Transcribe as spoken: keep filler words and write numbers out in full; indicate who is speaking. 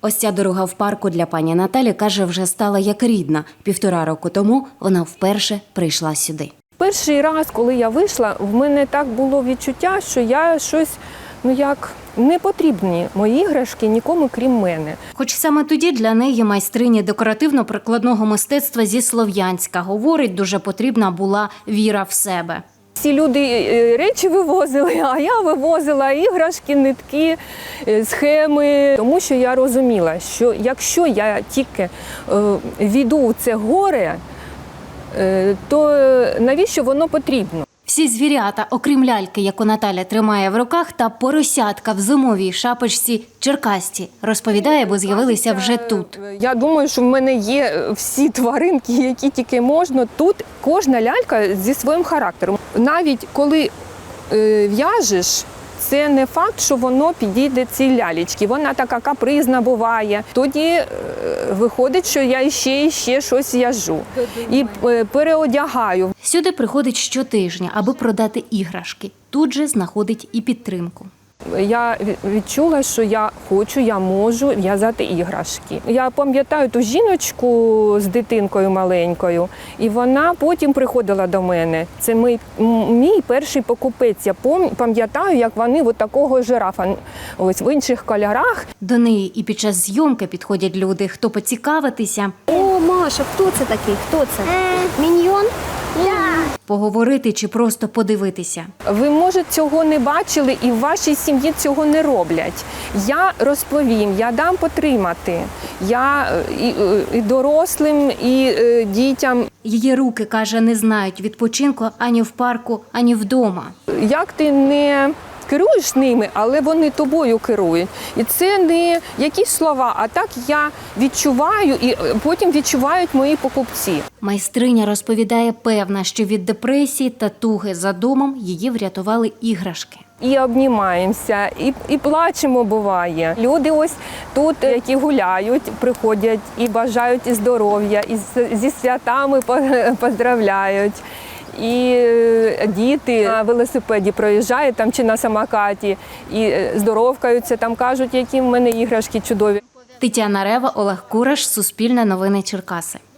Speaker 1: Ось ця дорога в парку для пані Наталі, каже, вже стала як рідна. Півтора року тому вона вперше прийшла сюди.
Speaker 2: Перший раз, коли я вийшла, в мене так було відчуття, що я щось, ну як, не потрібні мої іграшки нікому, крім мене.
Speaker 1: Хоч саме тоді для неї майстрині декоративно-прикладного мистецтва зі Слов'янська, говорить, дуже потрібна була віра в себе.
Speaker 2: Всі люди речі вивозили, а я вивозила іграшки, нитки, схеми. Тому що я розуміла, що якщо я тільки війду в це горе, то навіщо воно потрібно?
Speaker 1: Всі звірята, окрім ляльки, яку Наталя тримає в руках, та поросятка в зимовій шапочці черкасті, розповідає, бо з'явилися вже тут.
Speaker 2: Я думаю, що в мене є всі тваринки, які тільки можна. Тут кожна лялька зі своїм характером. Навіть коли е, в'яжеш, це не факт, що воно підійде цій лялечці. Вона така капризна буває. Тоді е, виходить, що я ще і ще щось в'яжу. І е, переодягаю.
Speaker 1: Сюди приходить щотижня, аби продати іграшки. Тут же знаходить і підтримку.
Speaker 2: Я відчула, що я хочу, я можу в'язати іграшки. Я пам'ятаю ту жіночку з дитинкою маленькою, і вона потім приходила до мене. Це мій, мій перший покупець. Я пам'ятаю, як вони от такого жирафа, ось в інших кольорах.
Speaker 1: До неї і під час зйомки підходять люди, хто поцікавитися.
Speaker 3: О, Маша, хто це такий? Хто це? Міньйон?
Speaker 1: Поговорити чи просто подивитися.
Speaker 2: Ви, може, цього не бачили і в вашій сім'ї цього не роблять. Я розповім, я дам потримати. Я і, і дорослим, і і дітям.
Speaker 1: Її руки, каже, не знають відпочинку ані в парку, ані вдома.
Speaker 2: Як ти не керуєш ними, але вони тобою керують. І це не якісь слова, а так я відчуваю і потім відчувають мої покупці.
Speaker 1: Майстриня розповідає, певна, що від депресії та туги за домом її врятували іграшки.
Speaker 2: І обнімаємося, і, і плачемо буває. Люди ось тут, які гуляють, приходять і бажають і здоров'я, і зі святами поздравляють. І діти на велосипеді проїжджають там чи на самокаті і здоровкаються, там кажуть, які в мене іграшки чудові.
Speaker 1: Тетяна Рева, Олег Кураш, Суспільне новини Черкаси.